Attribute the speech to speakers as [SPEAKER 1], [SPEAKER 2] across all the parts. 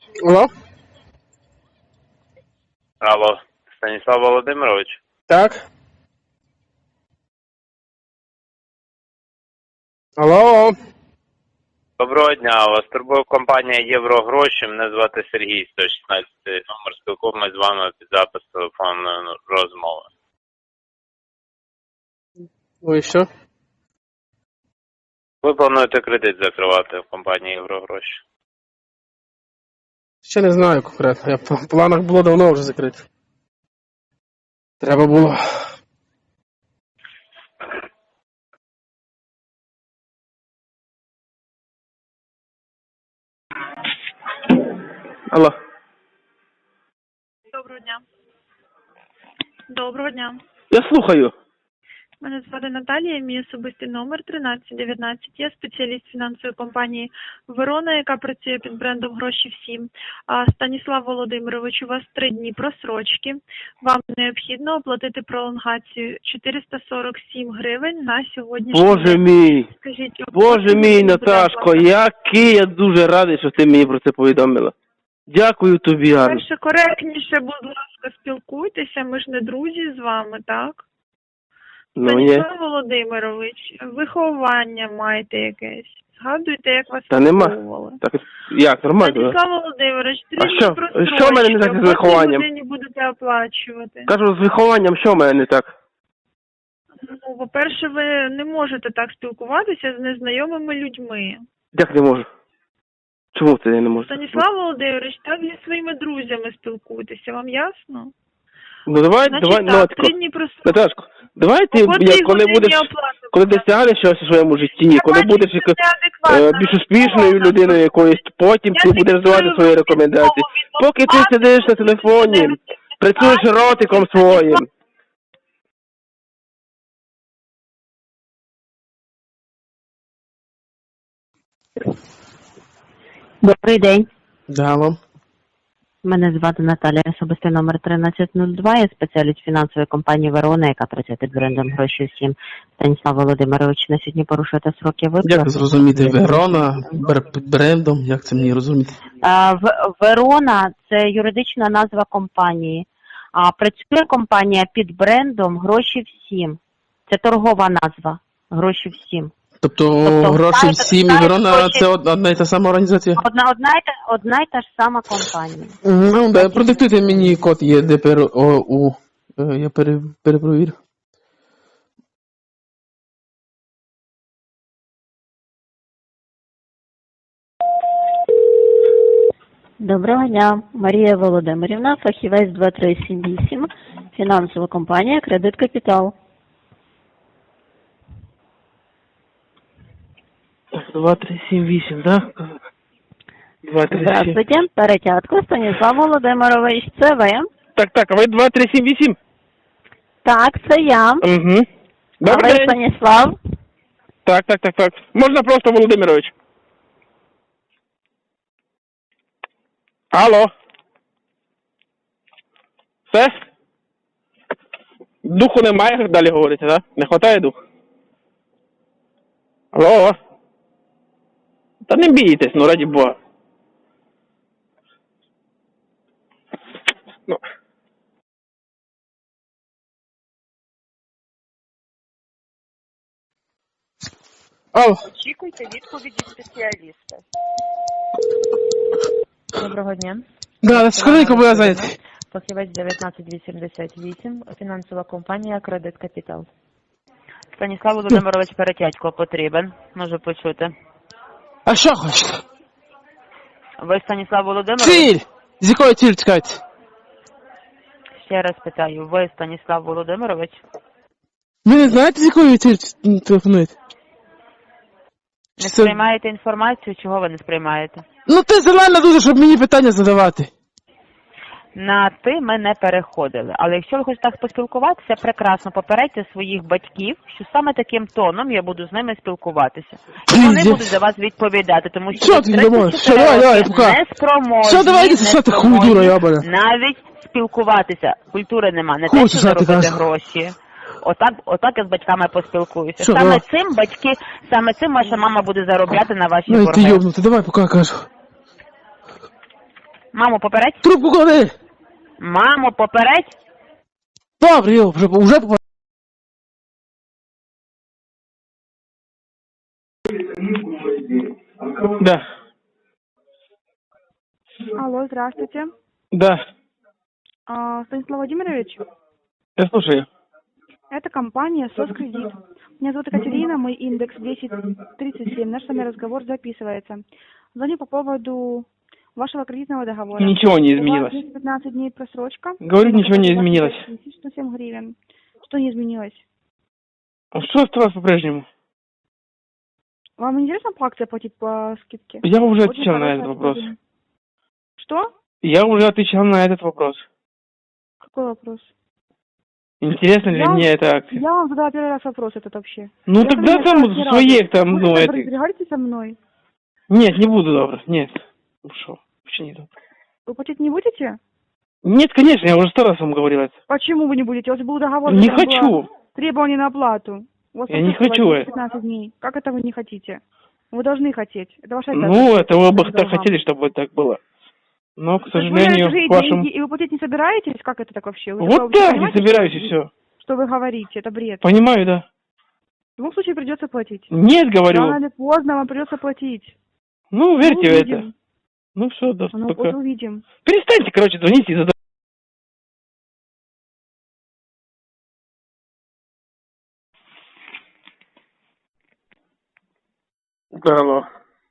[SPEAKER 1] Алло?
[SPEAKER 2] Алло, Станіслав Володимирович.
[SPEAKER 1] Так. Алло?
[SPEAKER 2] Доброго дня, вас турбує компанія Єврогроші, мене звати Сергій, 116 номер, спілкуємось з вами під запис телефонної розмови.
[SPEAKER 1] Ну і що?
[SPEAKER 2] Ви плануєте кредит закривати в компанії Єврогроші?
[SPEAKER 1] Ще не знаю конкретно. В планах було давно вже закрити. Треба було. Алло.
[SPEAKER 3] Доброго дня. Доброго дня.
[SPEAKER 1] Я слухаю.
[SPEAKER 3] Мене звати Наталія, мій особистий номер 1319. Я спеціаліст фінансової компанії «Верона», яка працює під брендом «Гроші всім». Станіслав Володимирович, у вас 3 дні просрочки. Вам необхідно оплатити пролонгацію 447 гривень на сьогоднішній
[SPEAKER 1] Боже
[SPEAKER 3] день.
[SPEAKER 1] мій.
[SPEAKER 3] Скажіть,
[SPEAKER 1] Боже мій, Наташко, який я дуже радий, що ти мені про це повідомила. Дякую тобі, Арно.
[SPEAKER 3] Перше, коректніше, будь ласка, спілкуйтеся, ми ж не друзі з вами, так?
[SPEAKER 1] Ну, є.
[SPEAKER 3] Станіслав Володимирович, виховання маєте якесь. Згадуйте, як вас
[SPEAKER 1] Та нема.
[SPEAKER 3] виховували.
[SPEAKER 1] Так, як, нормально?
[SPEAKER 3] Станіслав Володимирович,
[SPEAKER 1] А що в мене не так з вихованням?
[SPEAKER 3] Ви будете оплачувати.
[SPEAKER 1] Кажу, з вихованням що в мене не так?
[SPEAKER 3] Ну, по-перше, ви не можете так спілкуватися з незнайомими людьми.
[SPEAKER 1] Як не можу? Чому це я не можу?
[SPEAKER 3] Станіслав Володимирович, так зі своїми друзями спілкуйтеся, вам ясно?
[SPEAKER 1] Ну давай,
[SPEAKER 3] Значить,
[SPEAKER 1] давай,
[SPEAKER 3] так,
[SPEAKER 1] Натко.
[SPEAKER 3] 3 дні просрочки.
[SPEAKER 1] Наташко, давай ти, коли будеш, коли досягнеш щось у своєму житті, коли будеш більш успішною людиною якоюсь, потім ти будеш давати свої рекомендації. Поки ти сидиш на телефоні, працюєш ротиком своїм.
[SPEAKER 4] Добрий день.
[SPEAKER 1] Дало.
[SPEAKER 4] Мене звати Наталія, особистий номер 1302. Я спеціаліст фінансової компанії «Верона», яка працює під брендом «Гроші всім». Станіслав Володимирович, на сьогодні порушуєте сроки виплат.
[SPEAKER 1] Як зрозуміти Верона під брендом? Як це мені розуміти?
[SPEAKER 4] «Верона» – це юридична назва компанії. А працює компанія під брендом «Гроші всім». Це торгова назва «Гроші всім».
[SPEAKER 1] Тобто гроші всім і Верона – це одна і та сама організація?
[SPEAKER 4] Одна й та ж сама компанія.
[SPEAKER 1] Ну, да, продиктуйте мені код ЄДПРОУ. Я перепровірю.
[SPEAKER 5] Доброго дня, Марія Володимирівна, фахівець 2378, фінансова компанія «Кредит Капітал».
[SPEAKER 1] 2378, так? 2378.
[SPEAKER 5] Здравствуйте, Перетятко, Станіслав Володимирович, це ви?
[SPEAKER 1] Так, а ви 2378?
[SPEAKER 5] Так, це я.
[SPEAKER 1] Угу.
[SPEAKER 5] А
[SPEAKER 1] Добрий
[SPEAKER 5] ви
[SPEAKER 1] день.
[SPEAKER 5] Станіслав?
[SPEAKER 1] Так. Можна просто Володимирович. Алло. Все? Духу немає, як далі говорите, так? Не хватає духу? Алло. Та не бійтесь, ну раді Бога. Ну. Алло.
[SPEAKER 6] Очікуйте відповіді спеціаліста. Доброго дня.
[SPEAKER 1] Да, скоренько, бо я зайнятий.
[SPEAKER 6] Фахівець 19888, фінансова компанія «Кредит Капітал». Станіслав Володимирович Перетятько потрібен, можу почути.
[SPEAKER 1] А що хочете?
[SPEAKER 6] Ви Станіслав Володимирович?
[SPEAKER 1] Ціль! З якої цілі чекаєте?
[SPEAKER 6] Ще раз питаю, ви Станіслав Володимирович?
[SPEAKER 1] Ви не знаєте, з якої цілі телефонуєте?
[SPEAKER 6] Не сприймаєте інформацію, чого ви не сприймаєте?
[SPEAKER 1] Ну ти зелена дуже, щоб мені питання задавати.
[SPEAKER 6] На «ти» ми не переходили. Але якщо ви хочете так поспілкуватися, прекрасно, попередьте своїх батьків, що саме таким тоном я буду з ними спілкуватися. І вони будуть за вас відповідати, тому що ви 34 роки неспроможні,
[SPEAKER 1] Що, давайте писати хуйдура, ябаня.
[SPEAKER 6] навіть спілкуватися. Культури нема, не
[SPEAKER 1] Хуй
[SPEAKER 6] те, що
[SPEAKER 1] сосати,
[SPEAKER 6] заробити
[SPEAKER 1] кажу.
[SPEAKER 6] гроші. Отак я з батьками поспілкуюся.
[SPEAKER 1] Що,
[SPEAKER 6] Саме цим ваша мама буде заробляти на ваші
[SPEAKER 1] Ну і ти
[SPEAKER 6] борги.
[SPEAKER 1] йобнути, давай поки кажу.
[SPEAKER 6] Маму, попередь.
[SPEAKER 1] Трубку клади!
[SPEAKER 6] Маму, попередь.
[SPEAKER 1] Добре, йо, вже Да,
[SPEAKER 3] Алло, здравствуйте.
[SPEAKER 1] да,
[SPEAKER 3] Станислав Владимирович,
[SPEAKER 1] я слушаю.
[SPEAKER 3] это компания «Соскредит». Меня зовут Екатерина, мой индекс 1037. Наш с вами разговор записывается. Звоню по поводу вашего кредитного договора.
[SPEAKER 1] Ничего не
[SPEAKER 3] У
[SPEAKER 1] изменилось.
[SPEAKER 3] вас есть 15 дней просрочка.
[SPEAKER 1] Говорю, ничего не изменилось.
[SPEAKER 3] 107 гривен. Что не изменилось?
[SPEAKER 1] А что осталось по-прежнему?
[SPEAKER 3] Вам интересно по акции платить по скидке?
[SPEAKER 1] Я уже
[SPEAKER 3] Очень
[SPEAKER 1] отвечал на
[SPEAKER 3] хорошая
[SPEAKER 1] этот вопрос.
[SPEAKER 3] акция. Что?
[SPEAKER 1] Я уже отвечал на этот вопрос.
[SPEAKER 3] Какой вопрос?
[SPEAKER 1] Интересно ли
[SPEAKER 3] Я-
[SPEAKER 1] мне эта акция?
[SPEAKER 3] Я вам задала первый раз вопрос этот вообще.
[SPEAKER 1] Ну
[SPEAKER 3] Я
[SPEAKER 1] тогда
[SPEAKER 3] ко мне
[SPEAKER 1] там
[SPEAKER 3] ни разу.
[SPEAKER 1] своих там,
[SPEAKER 3] Вы
[SPEAKER 1] ну
[SPEAKER 3] что,
[SPEAKER 1] это...
[SPEAKER 3] разбегаетесь со мной?
[SPEAKER 1] Нет, не буду, добро, нет. Ну что, вообще не добро.
[SPEAKER 3] Вы платить не будете?
[SPEAKER 1] Нет, конечно, я уже 100 раз вам говорил это.
[SPEAKER 3] Почему вы не будете? У вас был договор,
[SPEAKER 1] Не
[SPEAKER 3] в котором было
[SPEAKER 1] хочу.
[SPEAKER 3] требование на оплату. У вас
[SPEAKER 1] Я не
[SPEAKER 3] просрочка
[SPEAKER 1] хочу
[SPEAKER 3] была
[SPEAKER 1] это.
[SPEAKER 3] 15 дней. Как это вы не хотите? Вы должны хотеть. Это ваша
[SPEAKER 1] Ну,
[SPEAKER 3] обязанность.
[SPEAKER 1] это вы бы
[SPEAKER 3] Я
[SPEAKER 1] так
[SPEAKER 3] вам.
[SPEAKER 1] хотели, чтобы так было. Но, к
[SPEAKER 3] То есть вы
[SPEAKER 1] сожалению,
[SPEAKER 3] живете
[SPEAKER 1] к вашему...
[SPEAKER 3] и вы платить не собираетесь? Как это так вообще? Вы
[SPEAKER 1] Вот
[SPEAKER 3] что,
[SPEAKER 1] так, не
[SPEAKER 3] понимаете,
[SPEAKER 1] собираюсь и все.
[SPEAKER 3] что вы говорите? Это бред.
[SPEAKER 1] Понимаю, да.
[SPEAKER 3] В любом случае придется платить.
[SPEAKER 1] Нет, говорю.
[SPEAKER 3] Рано или поздно вам придется платить.
[SPEAKER 1] Ну, верьте в это.
[SPEAKER 3] увидим.
[SPEAKER 1] Ну все, да,
[SPEAKER 3] Ну,
[SPEAKER 1] пока.
[SPEAKER 3] вот увидим.
[SPEAKER 1] Перестаньте, короче, звонить и задавать. Алло.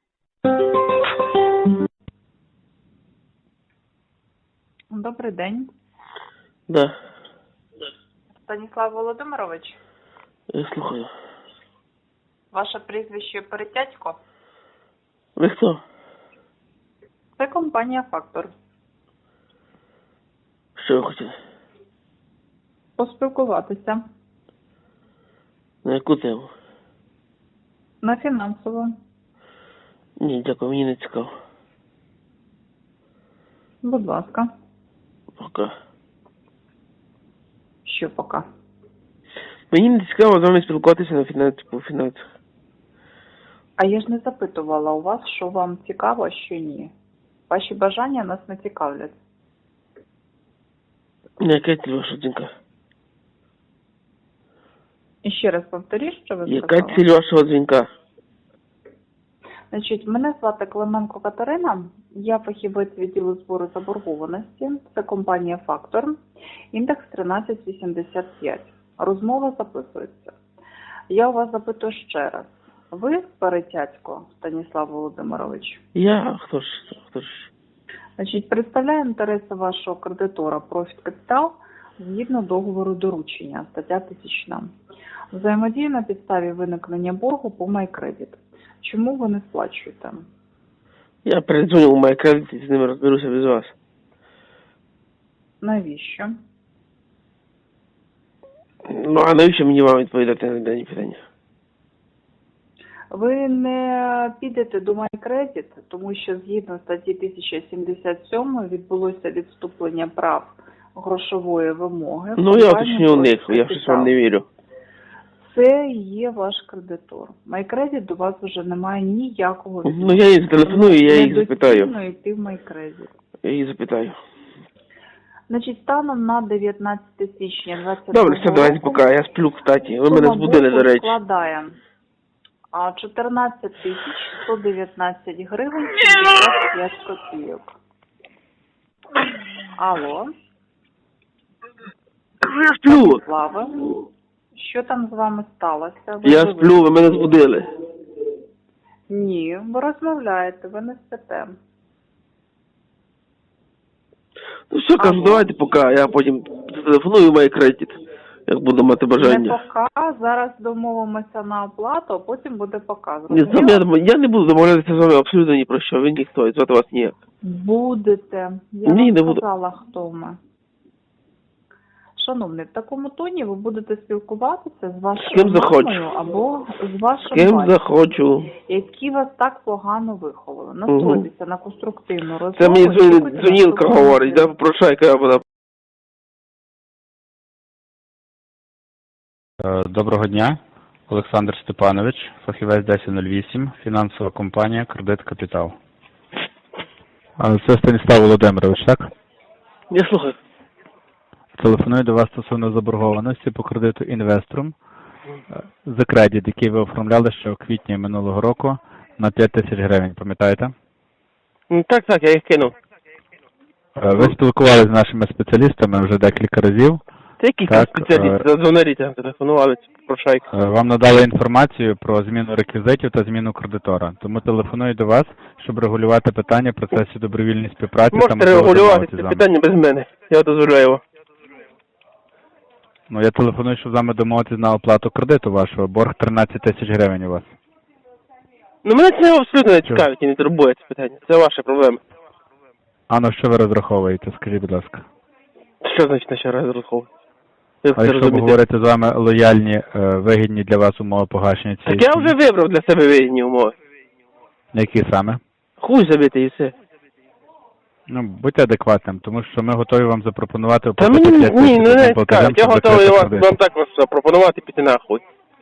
[SPEAKER 7] Добрий день.
[SPEAKER 1] Да,
[SPEAKER 7] Станіслав Володимирович,
[SPEAKER 1] я слухаю.
[SPEAKER 7] ваше прізвище Перетятько.
[SPEAKER 1] Ви хто?
[SPEAKER 7] Це компанія «Фактор».
[SPEAKER 1] Що ви хотіли?
[SPEAKER 7] Поспілкуватися
[SPEAKER 1] На яку тему?
[SPEAKER 7] на фінансово.
[SPEAKER 1] Ні, дякую, мені не цікаво.
[SPEAKER 7] Будь ласка.
[SPEAKER 1] Пока.
[SPEAKER 7] Що поки?
[SPEAKER 1] Мені не цікаво з вами спілкуватися на фінансі, по фінансах.
[SPEAKER 7] А я ж не запитувала у вас, що вам цікаво, а що ні. Ваші бажання нас не цікавлять.
[SPEAKER 1] Яка ціль ваша дзвінка?
[SPEAKER 7] І ще раз повторіть, що ви
[SPEAKER 1] Яка
[SPEAKER 7] сказали.
[SPEAKER 1] ціль вашого дзвінка?
[SPEAKER 7] Значить, мене звати Клименко Катерина, я фахівець відділу збору заборгованості, це компанія «Фактор», індекс 1385. Розмова записується. Я у вас запитую ще раз. Ви Перетятько Станіслав Володимирович?
[SPEAKER 1] Я? Хто ж?
[SPEAKER 7] Значить, представляю інтереси вашого кредитора «Профіт Капітал» згідно договору доручення, стаття 1000. Взаємодію на підставі виникнення боргу по MyCredit. Чому ви не сплачуєте?
[SPEAKER 1] Я передзвоню у MyCredit і з ними розберуся без вас.
[SPEAKER 7] Навіщо?
[SPEAKER 1] Ну, а навіщо мені вам відповідати на дані питання?
[SPEAKER 7] Ви не підете до MyCredit, тому що згідно статті 1077 відбулося відступлення прав грошової вимоги.
[SPEAKER 1] Ну, я уточню у них, я щось вам не вірю.
[SPEAKER 7] Це є ваш кредитор. MyCredit до вас вже немає ніякого
[SPEAKER 1] Ну, я їй зателефоную, я їх запитаю.
[SPEAKER 7] Недоцільно йти в MyCredit.
[SPEAKER 1] Я їх запитаю.
[SPEAKER 7] Значить, станом на 19 січня 2022
[SPEAKER 1] Добре, все, давайте пока. Я сплю, кстати. Ви мене
[SPEAKER 7] сума
[SPEAKER 1] збудили,
[SPEAKER 7] боргу
[SPEAKER 1] до речі.
[SPEAKER 7] складає 14 119 гривень 75 копійок. Алло,
[SPEAKER 1] Я сплю.
[SPEAKER 7] Слава. Що там з вами сталося? Ви
[SPEAKER 1] Я
[SPEAKER 7] живі?
[SPEAKER 1] сплю, ви мене збудили.
[SPEAKER 7] Ні, ви розмовляєте, ви не спите.
[SPEAKER 1] Ну все, кажу,
[SPEAKER 7] Алло.
[SPEAKER 1] давайте пока. Я потім зателефоную в MyCredit, як буду мати
[SPEAKER 7] Не
[SPEAKER 1] бажання.
[SPEAKER 7] пока, зараз домовимося на оплату, а потім буде показ.
[SPEAKER 1] Ні, я не буду домовлятися з вами абсолютно ні про що. Ви ніхто, і звати вас ніяк.
[SPEAKER 7] Будете. Я
[SPEAKER 1] Ні,
[SPEAKER 7] вам
[SPEAKER 1] не буду.
[SPEAKER 7] сказала, хто ми. Шановний, в такому тоні ви будете спілкуватися з вашою
[SPEAKER 1] ким захочу.
[SPEAKER 7] мамою або з вашим
[SPEAKER 1] З ким
[SPEAKER 7] батьком,
[SPEAKER 1] захочу.
[SPEAKER 7] які вас так погано виховали. Настройтеся на конструктивну розмову.
[SPEAKER 1] Це мені
[SPEAKER 7] очікуйте
[SPEAKER 1] дзвонілка
[SPEAKER 7] наступного
[SPEAKER 1] говорить, да, попрошайка я вона.
[SPEAKER 8] Доброго дня, Олександр Степанович, фахівець 1008, фінансова компанія «Кредит Капітал». Це Станіслав Володимирович, так?
[SPEAKER 1] Я слухаю.
[SPEAKER 8] Телефоную до вас стосовно заборгованості по кредиту інвесторам за кредит, який ви оформляли ще у квітні минулого року на 5 тисяч гривень, пам'ятаєте?
[SPEAKER 1] Так, я їх кинув.
[SPEAKER 8] Ви спілкувалися з нашими спеціалістами вже декілька разів.
[SPEAKER 1] Це який спеціаліст? Задзвонаріть, телефонували, прошайки.
[SPEAKER 8] Вам надали інформацію про зміну реквізитів та зміну кредитора. Тому телефоную до вас, щоб регулювати питання в процесі добровільної співпраці.
[SPEAKER 1] Можете регулювати це питання без мене. Я дозволяю його.
[SPEAKER 8] Ну, я телефоную, щоб з вами домовитися на оплату кредиту вашого. Борг 13 тисяч гривень у вас.
[SPEAKER 1] Ну, мене це абсолютно не цікавить і не турбує це питання. Це ваша проблема.
[SPEAKER 8] А на що ви розраховуєте, скажіть, будь ласка?
[SPEAKER 1] Що значить на що розраховувати?
[SPEAKER 8] А якщо ви говорите з вами лояльні, вигідні для вас умови погашення цієї
[SPEAKER 1] Так я вже вибрав для себе вигідні умови.
[SPEAKER 8] Які саме?
[SPEAKER 1] Хуй забити і все.
[SPEAKER 8] Ну, будьте адекватним, тому що ми готові вам запропонувати
[SPEAKER 1] Та
[SPEAKER 8] оплатити
[SPEAKER 1] мені
[SPEAKER 8] 5 тисяч
[SPEAKER 1] не
[SPEAKER 8] одним
[SPEAKER 1] цікавить.
[SPEAKER 8] платежем,
[SPEAKER 1] Я
[SPEAKER 8] щоб
[SPEAKER 1] готовий
[SPEAKER 8] закрити
[SPEAKER 1] вам
[SPEAKER 8] кредит.
[SPEAKER 1] так вас запропонувати піти нахуй.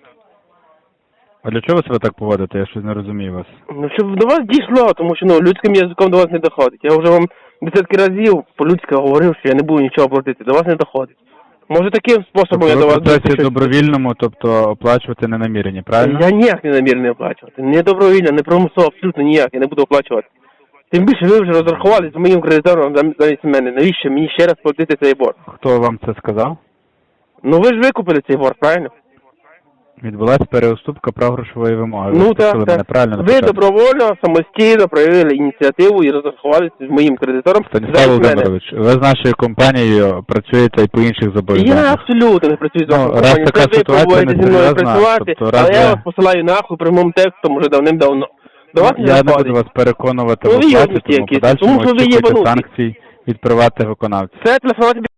[SPEAKER 8] А для чого ви себе так поводите? Я щось не розумію вас.
[SPEAKER 1] Ну, щоб до вас дійшло, тому що людським язиком до вас не доходить. Я вже вам десятки разів по-людськи говорив, що я не буду нічого платити. До вас не доходить. Може таким способом я до вас...
[SPEAKER 8] Ви в процесі добровільному, тобто оплачувати не намірені, правильно?
[SPEAKER 1] Я ніяк не намірений оплачувати. Не добровільно, не примусово, абсолютно ніяк. Я не буду оплачувати. Тим більше ви вже розрахувалися з моїм кредитором замість мене. Навіщо мені ще раз платити цей борг?
[SPEAKER 8] Хто вам це сказав?
[SPEAKER 1] Ну ви ж викупили цей борг, правильно?
[SPEAKER 8] Відбулася переуступка прав грошової вимоги. Ви
[SPEAKER 1] Ну
[SPEAKER 8] спросили мене правильно на
[SPEAKER 1] Ви
[SPEAKER 8] початку.
[SPEAKER 1] добровольно, самостійно проявили ініціативу і розрахувалися з моїм кредитором.
[SPEAKER 8] Станіслав
[SPEAKER 1] замість мене.
[SPEAKER 8] Володимирович, ви з нашою компанією працюєте і по інших
[SPEAKER 1] Я
[SPEAKER 8] зобов'язаннях.
[SPEAKER 1] абсолютно не працюю з
[SPEAKER 8] Ну,
[SPEAKER 1] вашою
[SPEAKER 8] раз
[SPEAKER 1] компанією.
[SPEAKER 8] така
[SPEAKER 1] Це ви
[SPEAKER 8] ситуація
[SPEAKER 1] пробуєте зі мною
[SPEAKER 8] несерйозна,
[SPEAKER 1] працювати,
[SPEAKER 8] тобто раз
[SPEAKER 1] але я
[SPEAKER 8] ви-
[SPEAKER 1] вас посилаю нахуй прямим текстом уже давним-давно. До вас не
[SPEAKER 8] Я не
[SPEAKER 1] доходить.
[SPEAKER 8] буду вас переконувати
[SPEAKER 1] Ну,
[SPEAKER 8] в
[SPEAKER 1] ви
[SPEAKER 8] оплаті,
[SPEAKER 1] йобнуті
[SPEAKER 8] тому
[SPEAKER 1] якісь,
[SPEAKER 8] подальшому
[SPEAKER 1] тому що ви
[SPEAKER 8] очікуйте
[SPEAKER 1] єбануті.
[SPEAKER 8] санкцій від приватних виконавців.
[SPEAKER 1] Все, телефонувати